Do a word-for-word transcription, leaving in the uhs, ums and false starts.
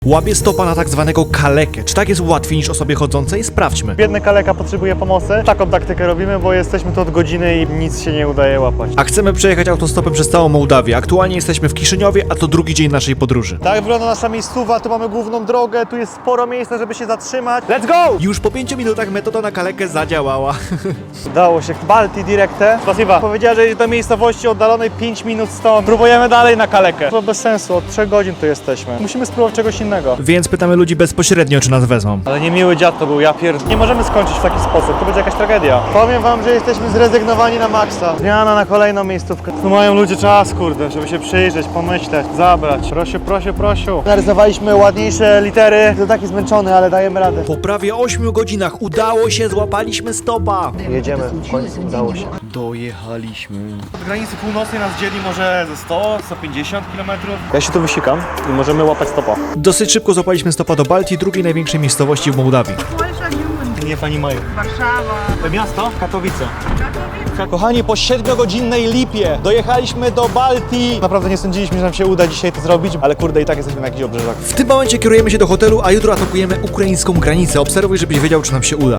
Łapie stopa na tak zwanego kalekę. Czy tak jest łatwiej niż osobie chodzącej? Sprawdźmy. Biedny kaleka potrzebuje pomocy. Taką taktykę robimy, bo jesteśmy tu od godziny i nic się nie udaje łapać. A chcemy przejechać autostopem przez całą Mołdawię. Aktualnie jesteśmy w Kiszyniowie, a to drugi dzień naszej podróży. Tak wygląda nasza miejscowa, tu mamy główną drogę, tu jest sporo miejsca, żeby się zatrzymać. Let's go! Już po pięciu minutach metoda na kalekę zadziałała. Udało się. Balti Directe. Spasiba. Powiedziała, że jest do miejscowości oddalonej pięć minut stąd. Próbujemy dalej na kalekę. To bez sensu, od trzech godzin tu jesteśmy. Musimy spróbować czegoś innego. Więc pytamy ludzi bezpośrednio, czy nas wezmą. Ale niemiły dziad to był, ja pierd... Nie możemy skończyć w taki sposób, to będzie jakaś tragedia. Powiem wam, że jesteśmy zrezygnowani na maksa. Zmiana na kolejną miejscówkę. Tu mają ludzie czas, kurde, żeby się przyjrzeć, pomyśleć, zabrać. Prosiu, prosiu, prosiu. Narysowaliśmy ładniejsze litery. To taki zmęczony, ale dajemy radę. Po prawie ośmiu godzinach udało się, złapaliśmy stopa. Jedziemy, w końcu udało się. Dojechaliśmy. Od granicy północnej nas dzieli może ze sto do stu pięćdziesięciu kilometrów. Ja się tu wysikam i możemy łapać stopa. Dosyć szybko złapaliśmy stopa do Baltii, drugiej największej miejscowości w Mołdawii. Nie pani Maju. Warszawa. Miasto? Katowice. Katowice. Kochani, po siedmiogodzinnej lipie dojechaliśmy do Baltii. Naprawdę nie sądziliśmy, że nam się uda dzisiaj to zrobić, ale kurde i tak jesteśmy na jakichś obrzeżach. W tym momencie kierujemy się do hotelu, a jutro atakujemy ukraińską granicę. Obserwuj, żebyś wiedział, czy nam się uda.